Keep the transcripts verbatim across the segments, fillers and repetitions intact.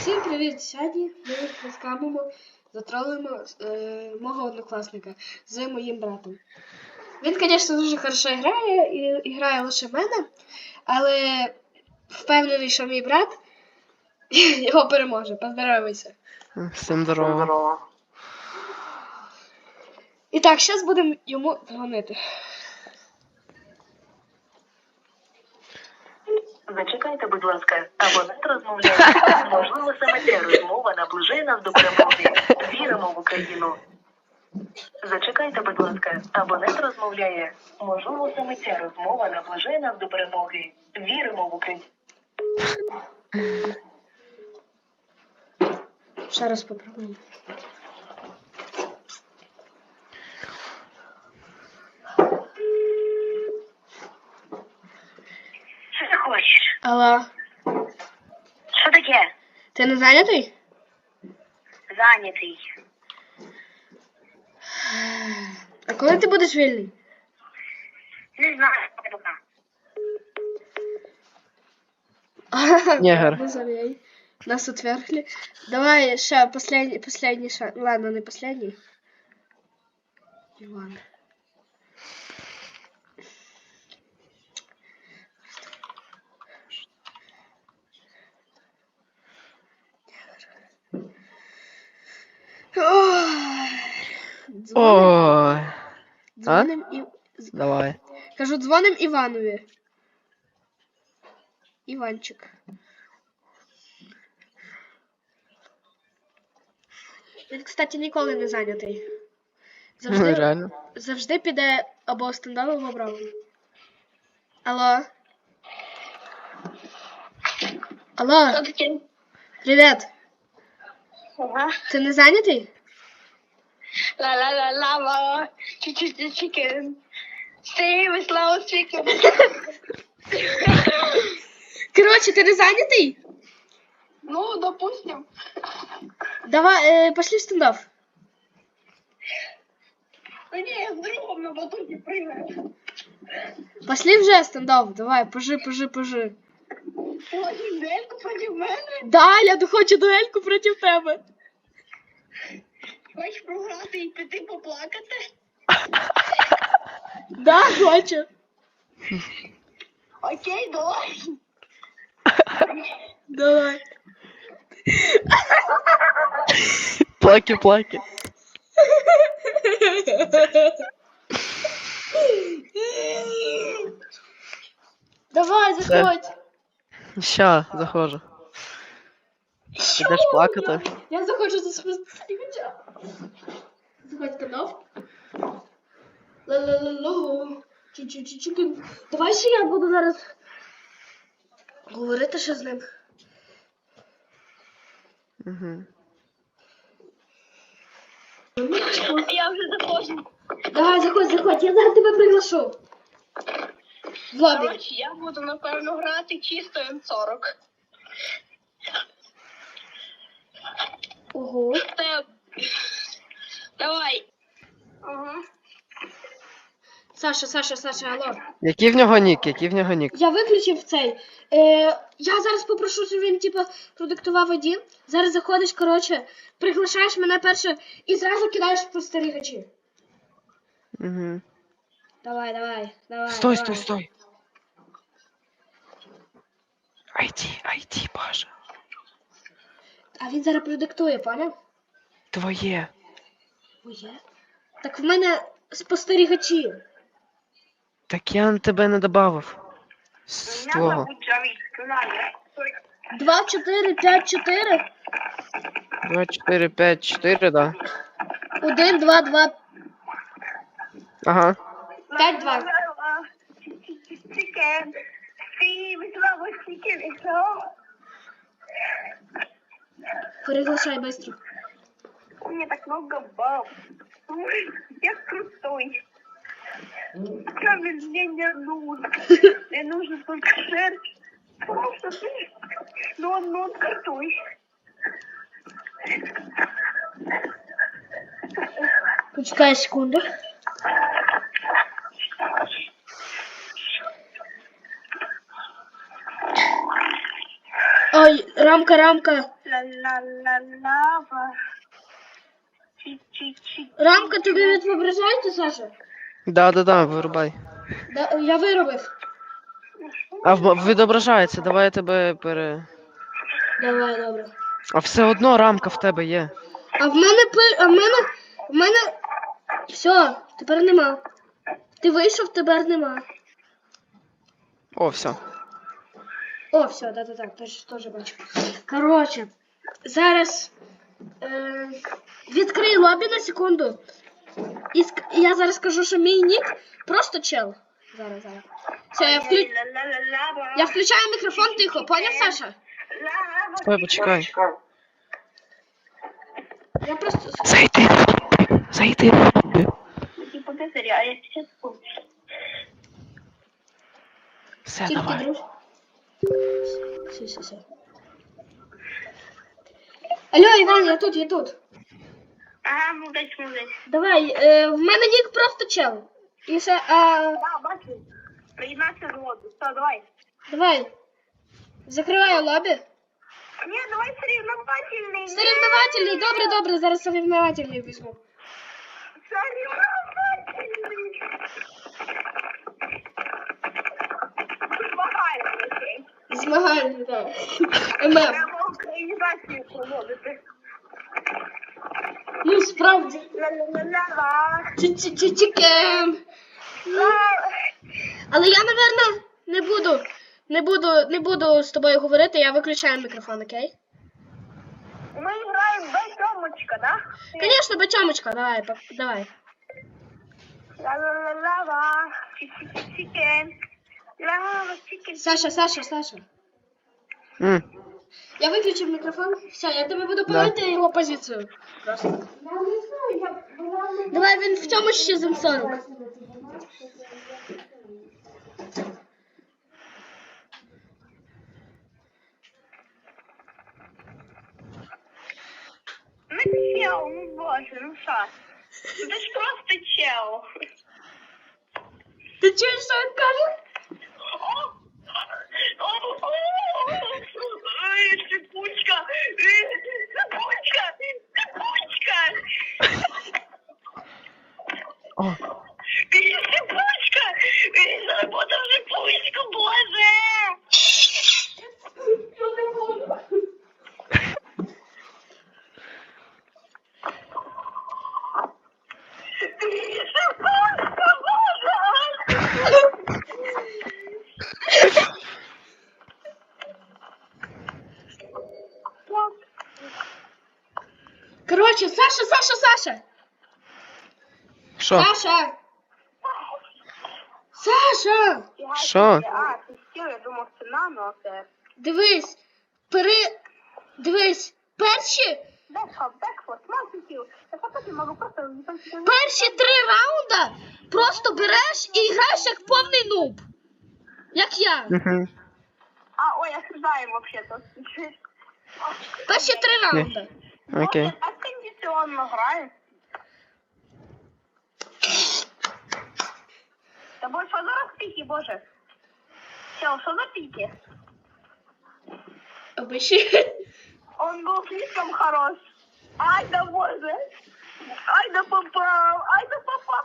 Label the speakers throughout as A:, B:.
A: Всім привіт! Сьогодні ми розкамимо, затролимо е, мого однокласника з моїм братом. Він, звісно, дуже хорошо грає і, і грає лише мене, але впевнений, що мій брат його переможе. Поздоровайся.
B: Всім здорово.
A: І так, зараз будемо йому дзвонити.
C: Зачекайте, будь ласка, абонент розмовляє. Можливо, саме ця розмова наближає нас до перемоги. Віримо в Україну. Зачекайте, будь ласка, абонент розмовляє. Можливо, саме ця розмова наближає нас до перемоги. Віримо в Україну.
A: Ще раз попробуємо.
C: Що ти хочеш?
A: Алло,
C: Що таке?
A: ти не зайнятий?
C: Зайнятий.
A: А коли ти будеш вільний?
C: Не знаю, пока.
B: Негр.
A: Не забей. Нас отвергли. Давай ще последний, последний шанс. Ладно, не последний. Иван. Дзвоним,
B: Ой.
A: дзвоним і...
B: Давай.
A: Кажу, дзвоним Іванові. Іванчик. Він, кстати, ніколи не зайнятий. Завжди,
B: Реально.
A: завжди піде або стендап, або браво. Алло. Алло.
C: Що таке?
A: Привіт.
C: Ага.
A: Ти не зайнятий?
C: Ла-ла-ла-ла-ла. Чуть-чуть chicken. Stay with loud chicken.
A: Коротше, ти не зайнятий?
C: Ну, допустим.
A: Давай, е, пошли в стендап.
C: Да не, я с другом на батуте прыгаю.
A: Пошли вже стендап. Давай, пожи, пожи, пожи.
C: Хочешь дуэльку против мене?
A: Да, я хочу дуельку проти тебе.
C: Хочеш програти і піти поплакати?
A: Да, хочу.
C: Окей, давай.
A: Давай.
B: Плаки, плаки.
A: Давай, заходь.
B: Ща, заходжу. Ідеш плакати?
A: Я заходжу за спостерігача. Заходь канал. Ла-ла-ла-ла. Чу-чу-чу-чу. Давай ще я буду зараз говорити ще з ним.
B: Угу.
C: Я вже заходжу.
A: Давай, заходь, заходь, я зараз тебе приглашу. В лобі.
C: Короче, я буду, напевно, грати чисто ем сорок.
A: Ого.
C: Те- Давай. Ага.
A: Саша, Саша, Саша, алло.
B: Який в нього нік? Який в нього нік?
A: Я виключив цей. Е, я зараз попрошу, щоб він, типу, продиктував один. Зараз заходиш, коротше, приглашаєш мене перше і зразу кидаєш в спостерігачі.
B: Угу.
A: Давай, давай, давай.
B: Стой,
A: давай.
B: стой, стой. Айди, айди, Паша.
A: А він зараз продиктує, поняв?
B: Твоє.
A: Моє? Так в мене спостерігачі.
B: Так я на тебе не добавив. З твого.
A: Два, чотири, п'ять, чотири.
B: два, чотири, п'ять, чотири, да.
A: Один, два, два,
B: Ага.
A: п'ять, два.
C: Chicken. Sí, me clavo chicken, eso.
A: Приглашай быстро.
C: У меня так много баб. Ой, я крутой. Камень мне не нужен. Мне нужен только шерсть. Потому что ты... Ну он, ну он крутой.
A: Почекай секунду. Ой, рамка, рамка.
C: Ла-ла-ла-лава. Чи-чи-чи.
A: Рамка, тобі відображається, Саша?
B: Да-да-да, вирубай.
A: Да, я виробив.
B: А в- відображається, давай я тебе пере.
A: Давай, добре.
B: А все одно рамка в тебе є.
A: А в мене пи... а в мене. В мене. Все, тепер нема. Ти вийшов, тепер нема.
B: О, все.
A: О, все, да-да-да, теж, теж бачу. Коротше, зараз е, відкрий лобі на секунду. І ск... і я зараз скажу, що мій нік просто чел. Зараз, зараз. Все, я, вклю...
C: Ла-ла-ла-лава.
A: я включаю мікрофон тихо, поняв, Саша?
C: Лава.
B: Стой, почекай.
A: Я просто.
B: Зайди. Зайди.
C: Типа козыря, а я сейчас помню.
B: Все,
A: Тільки
B: давай.
A: друж. Все, все, все. Алло, Іван, я тут, я тут.
C: Ага, молодець, молодець.
A: Давай, е, в мене нік просто чел. І ще, а,
C: Да, бачу. Приєднався до лобі. Все, давай.
A: давай. Закриваю лобі.
C: Ні, давай соревновательний.
A: Соревновательний, добре, добре, зараз соревновательний візьму.
C: Соревновательний. Змагальний.
A: Змагальний, так. ем ем.
C: Треба українізацію проводити.
A: Ну, справді.
C: Ла-ла-ла-ла.
A: Чі-чі-чі-чікен. Але я, напевно, не буду, не буду, не буду з тобою говорити, я виключаю мікрофон, окей?
C: Ми граємо без Тьомочка, да?
A: Конечно, бачомочка, давай, пап- давай.
C: Ла-ла-ла-ла. Чі-чі-чі-чікен. Ла-ла, чікен.
A: Саша, Саша, Саша.
B: М.
A: Я виключив мікрофон. Все, я тебе буду
B: Да.
A: поводити його позицію. Просто. Давай, він в цьому ще з ем сорок.
C: Ну чел, ну боже, ну що? Ну ти ж просто чел.
A: Ти чуєш, що він каже?
C: Ой, цепочка! Цепочка! Цепочка!
B: О,
C: Цепочка! Заработав цепочку, боже! Цепочка, боже!
A: Коротше, Саша, Саша, Саша.
B: що?
A: Саша. Саша.
B: Що?
C: А, ти що, я думав, це нано, це...
A: Дивись. Пери... Дивись. Перші,
C: Бекфорд, Бекфорд, мальчиків. Я потім можу просто...
A: перші три раунда просто береш і граєш як повний нуб. Як я.
B: Угу.
C: А, ой, осуждаем вообще-то.
A: Перші три раунда.
B: Окей.
C: А кондиционно граю. Да боже, что за пики, боже? Чел, что за пики?
A: Обичі.
C: Он был слишком хорош. Ай да боже. Ай да попал. Ай да попал.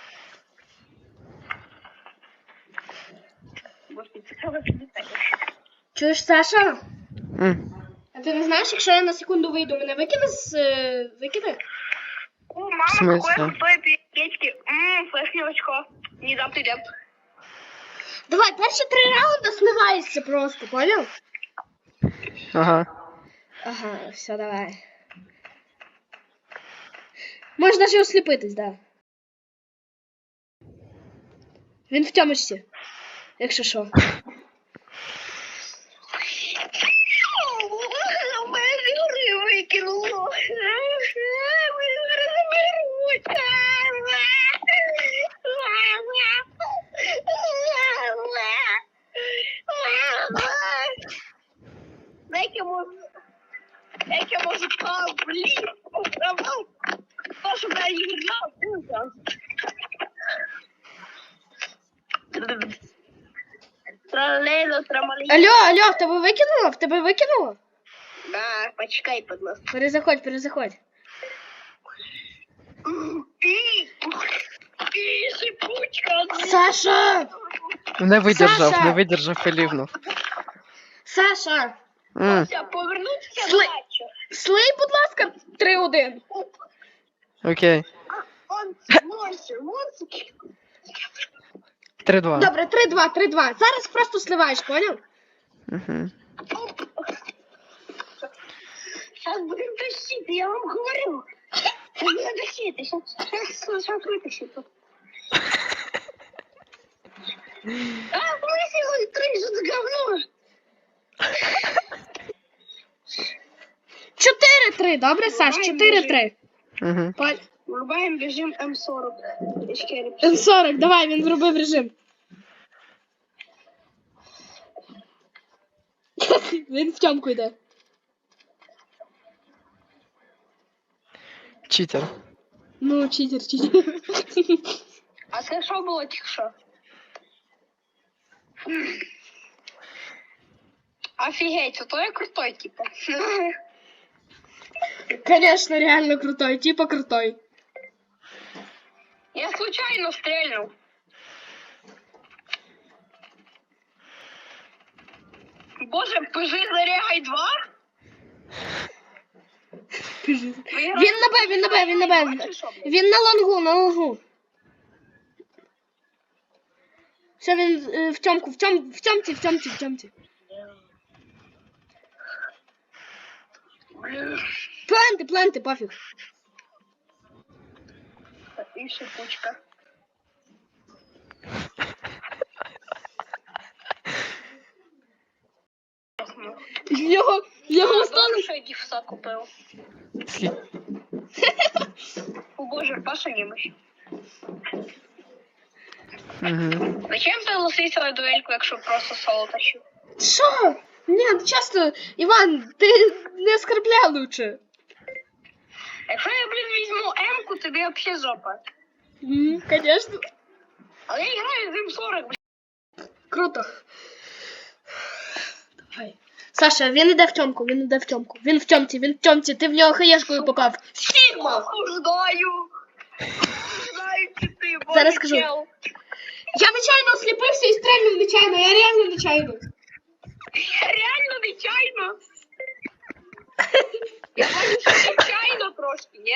C: Боже, ты что вы
A: Чуєш, Саша?
B: М.
A: А ти не знаєш, якщо я на секунду вийду, мене викине з... е, викине?
C: О,
B: В
C: мама,
B: смысле?
C: какое крутое печки. Ммм, флешное очко. Не дам ты деп.
A: Давай, перші три раунди смиваєшся просто, понял?
B: Ага.
A: Ага, все, давай. Можна ж осліпитись, да. Він в тьомочці, якщо що.
C: Выкинуло. Дайте можу. Дайте можу блін. То, що я грав.
D: Тролейно, трамолін.
A: Алло, алло, в тебе викинуло? В тебе викинуло?
D: Да, почекай, будь ласка.
A: Перезаходь, перезаходь.
D: І, і шипучка.
A: Саша!
B: Не видержав,
A: Саша!
B: не видержав і лівнув.
A: Саша!
B: М,
D: Все, повернутися
A: Сли-
D: бачу.
A: Слий, будь ласка, три один.
B: Окей.
D: Он морся, морсик.
B: три два.
A: Добре, три два, три два. Зараз просто сливаєш, поняв?
B: Угу.
D: Сейчас будем тащить, я вам говорю. Будем тащить, сейчас, сейчас вытащит. А, смысл, три, что за говно?
A: чотири три, добре, Саш, чотири три.
B: Угу.
D: Врубаем режим М сорок.
A: М сорок, давай, він зробив режим. Він в тьомку йде.
B: Читер.
A: Ну, читер, читер.
D: А це що було тільки що? Офігеть, це той крутой, типа.
A: Конечно, реально крутой, типа крутой.
D: Я случайно стрельнул. Боже, пижи зарягай два?
A: Він на Б, він на Б, він на Б. Він на лонгу, на лонгу. Все, він е, в тьомку, в тьом, в тьомці, в тьомці, в тьомці. Пленти, пленти, пофіг.
D: І шипучка.
A: Його, його
D: Стали,
A: стали.
D: що я дівса купив.
B: Скільки?
D: О боже, Паша немощь.
B: Угу.
D: Зачем ти лосився на дуельку, якщо просто соло тащив?
A: Що? Ні, ну чесно, Іван, ти не оскорбляй лучше.
D: Якщо я, блін, візьму М-ку, тобі взагалі жопа.
A: М, Конечно.
D: Але я граю з М сорок, блін.
A: Круто. Давай. Саша, він іде в тьомку, він іде в тьомку. Він в тьомці, він в тьомці, ти в нього хаєшкою попав. Сігма!
D: Осуждаю. Осуждаю чи ти, боже,
A: Зараз скажу.
D: чел.
A: Я нечайно осліпився і стрельнув нечайно, я реально нечайно.
D: Я реально нечайно. Я бачу, що нечайно трошки, ні?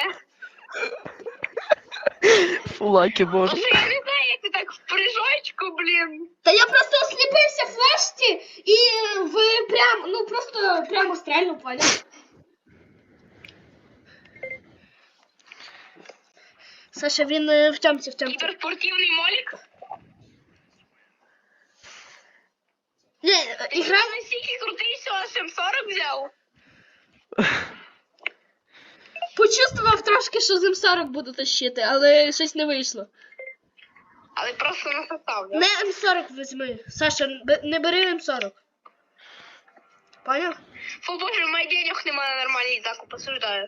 B: Фулаки, боже.
D: Тому що я не знаю, як ти так в прыжочку, блін.
A: Та я просто осліпився в флешці і в прям, ну просто прямо стрельнув, поняв? Саша, він е, в тьомці, в тьомці.
D: Кіберспортивний молік.
A: Ні, е,
D: Ти
A: ігра...
D: настільки крутий, що аж М сорок взяв.
A: Почувствував трошки, що з М сорок буду тащити, але щось не вийшло.
D: Але просто не состав, да?
A: Не М сорок візьми. Саша, б- не бери М сорок. Поняв?
D: Фу, боже, у мене денег немає на нормальний закуп, осуждаю.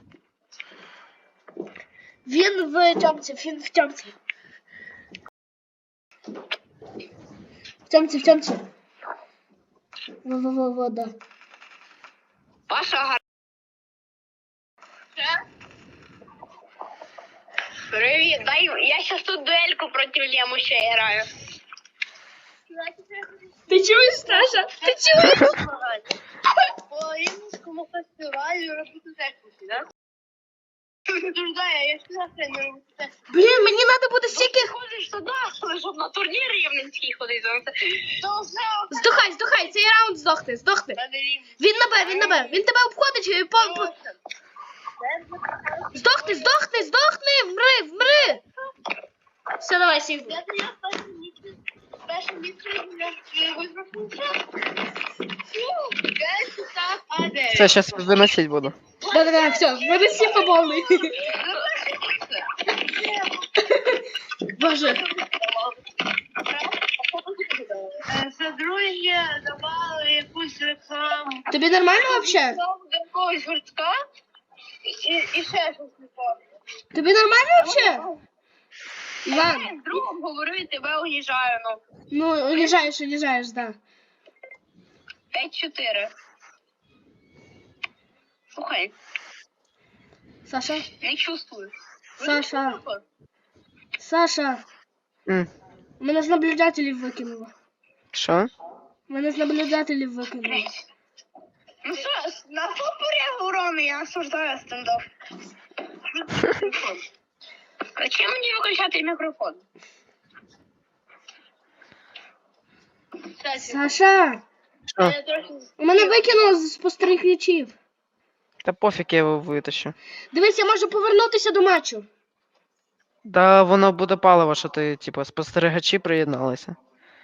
A: Він в тьомці, він в тьомці. В тьомці, в тьомці. Во-во-во, да.
D: Паша, гар... Привіт, дай, я сейчас тут дуельку проти Лему ще граю.
A: Ти чуєш, Саша? Ти чуєш?
D: По Рівненському фестивалю робити техніки, да? Я ж завтра не роблю техніки.
A: Блін, мені треба буде стільки...
D: Ти ходиш туди, щоб на турнір рівненський ходити. То все,
A: Здохай, здохай, цей раунд здохне, здохне. Він на Б, він на Б. Він тебе обходить. е, По, по... Здохни, здохни, здохни, вмри, вмри. Все, давай, сів.
D: Я я перший місяць, перший місяць я визначився.
B: Все, зараз виносить буду.
A: Да-да-да, все, мене сіфа повний. Боже.
D: Содружжя давали якусь рекламу.
A: Тобі нормально вообще?
D: До якогось гуртка і, і ще щось не помню.
A: Тобі нормально вообще? Іван,
D: Я з другом говорю і тебе уїжджаю, ну.
A: ну уїжджаєш, уїжджаєш, да.
D: п'ять чотири. Слухай,
A: Саша,
D: не чувствую.
A: Саша, Саша,
B: М,
A: мене з наблюдателів викинуло.
B: Що?
A: Мене з наблюдателів викинуло.
D: Ну що, на що переговори я осуждаю стендап? А чим мені виключати мікрофон?
A: Саша,
B: Що?
D: Я трохи...
A: у мене викинуло з спостерігачів.
B: Та пофіг, я його витащу.
A: Дивись, я можу повернутися до матчу.
B: Да воно буде паливо, що ти, типу, спостерігачі приєдналися.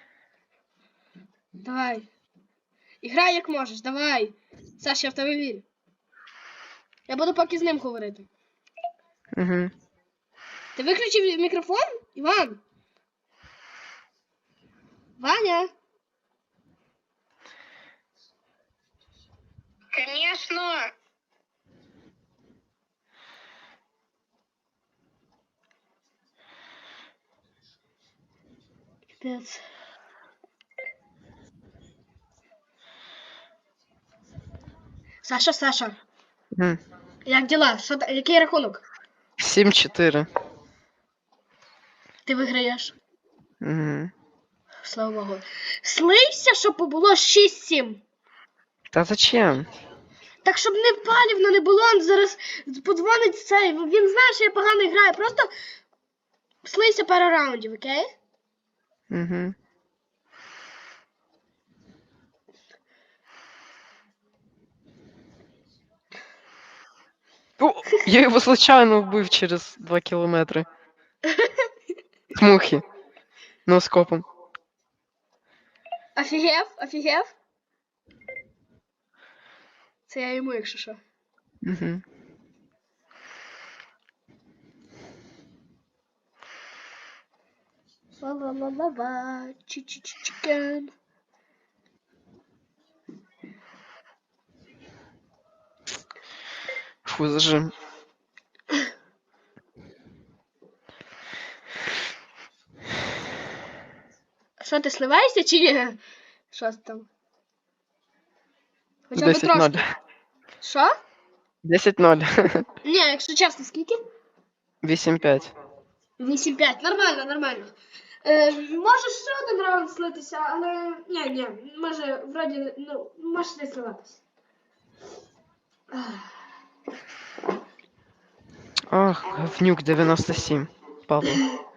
A: Давай. Іграй як можеш, давай. Саша, я в тебе вірю. Я буду поки з ним говорити.
B: Угу.
A: Ти виключив мікрофон, Іван? Ваня?
D: Конечно.
A: Капець. Саша, Саша,
B: Угу.
A: як діла? Що, та- який рахунок?
B: сім чотири.
A: Ти виграєш.
B: Угу.
A: Слава Богу. Слився, щоб було шість сім.
B: Та зачем?
A: Так, щоб не палівно не було, он зараз подзвонить цей. Він знає, що я погано граю. Просто слився пару раундів, окей?
B: Угу. О, я його случайно вбив через два кілометри. З мухи. Носкопом.
A: Офігев, офігев. Це я йому, якщо що.
B: Угу.
A: Ла-ла-ла-ла-ла, чи-чи-чи-чикен.
B: Фу, зажим.
A: Що, ти сливаєшся чи ні? Що ти там? Хоча б
B: десять ноль.
A: трошки. Що?
B: десять ноль.
A: Ні, якщо чесно, скільки?
B: вісім п'ять.
A: вісім п'ять. Нормально, нормально. Е, може ще один раунд слитися, але ні, ні, може, вроді, ну, може не сливатися.
B: Ах, говнюк дев'яносто сім. Павло.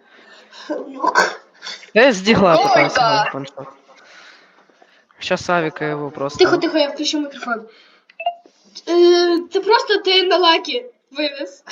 B: Я з дігла
D: Ой,
B: пытался
D: да.
B: грати паншот. Сейчас Авика его просто...
A: Тихо, тихо, я включу мікрофон. Е, це просто ти на лакі вивез.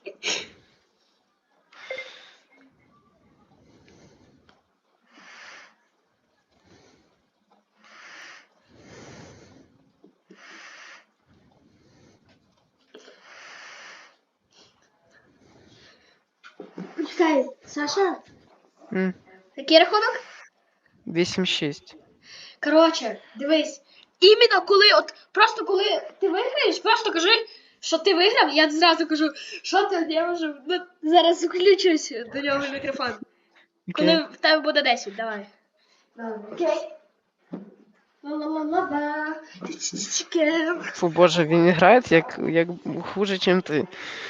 A: Чекай, Саша,
B: М,
A: який рахунок?
B: вісім шість.
A: Коротше, дивись, іменно коли, от просто коли ти виграєш, просто кажи, що ти виграв, я зразу кажу, що ти, я можу, ну, зараз включусь до нього мікрофон. Коли
B: Окей.
A: в тебе буде десять, давай. Давай, окей. Ла-ла-ла-ла-ла. Чикен.
B: Фу, боже, він грає як, як хуже, чим ти.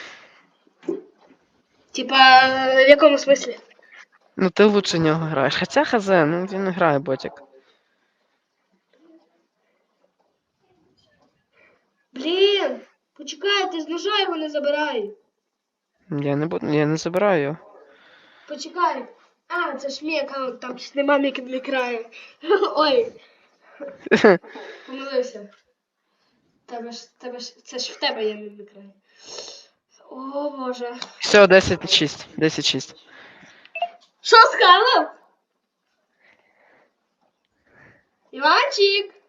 A: Типа, в якому смислі?
B: Ну ти лучше нього граєш. Хоча хз, ну він грає ботик.
A: Блін, почекай, ти з ножа його не забирай.
B: Я не буду, я не забираю його.
A: Почекай. А, це ж мій аккаунт, там ж нема мік мікраю. Ой, помилився. Тебе ж, тебе ж, це ж в тебе є мікрай. О, Боже.
B: Все, десять шість. десять шість.
A: Що сказав? Іванчик.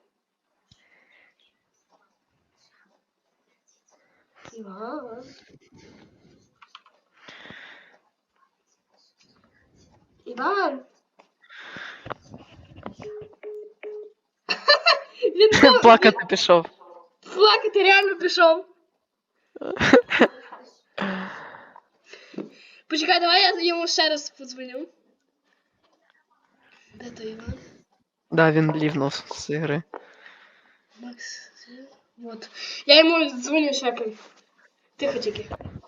A: Іван. Іван. Він був-
B: Плакати пішов.
A: Плакати реально пішов. Почекай, давай я йому ще раз подзвоню. Де той Іван?
B: Да, він лівнув з ігри.
A: Макс. Вот. Я йому дзвоню всякий. Тихо тільки.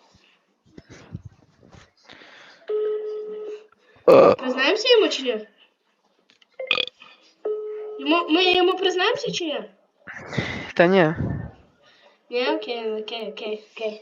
A: Признаємося йому чи ні? Йому, ми йому признаємося чи ні?
B: Та ні.
A: Ні, окей, окей, окей, окей.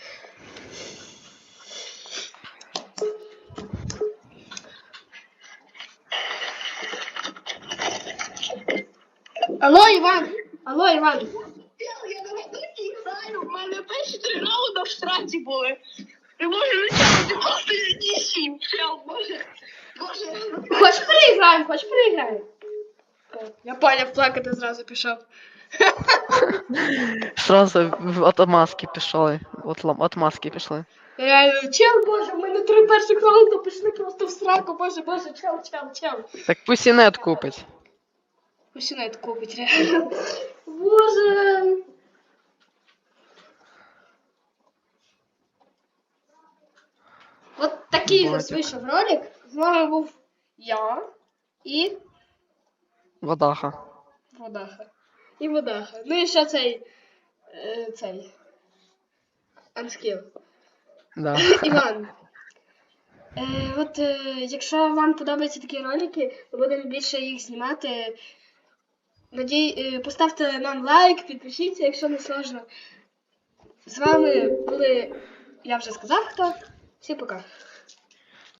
A: Алло, Іван! Алло, Іван!
D: Я на роботі граю, в мене перші три раунди в штрафі були. Не можу витягнути просто ні сім. Чел, боже. Боже.
A: Хоч переіграємо, хоч переіграємо. Я поняв, плакати зразу пішов.
B: Сразу в- от маски пішли. От, лам- от маски пішли.
A: Реально, чел, боже, в мене три перших раунди пішли просто в сраку, боже, боже, чел, чел, чел.
B: Так пусть і нет купить.
A: Пусть навіть купить, реально. Боже. От такий
B: Ботик.
A: ось вийшов ролик. З вами був я і
B: Водаха.
A: Водаха. І Водаха. Ну і ще цей. е, цей. Анскіл.
B: Да.
A: Іван. Е, от е, якщо вам подобаються такі ролики, ми будемо більше їх знімати. Надій, е, поставте нам лайк, підпишіться, якщо не сложно. З вами були, я вже сказав хто. Всім пока.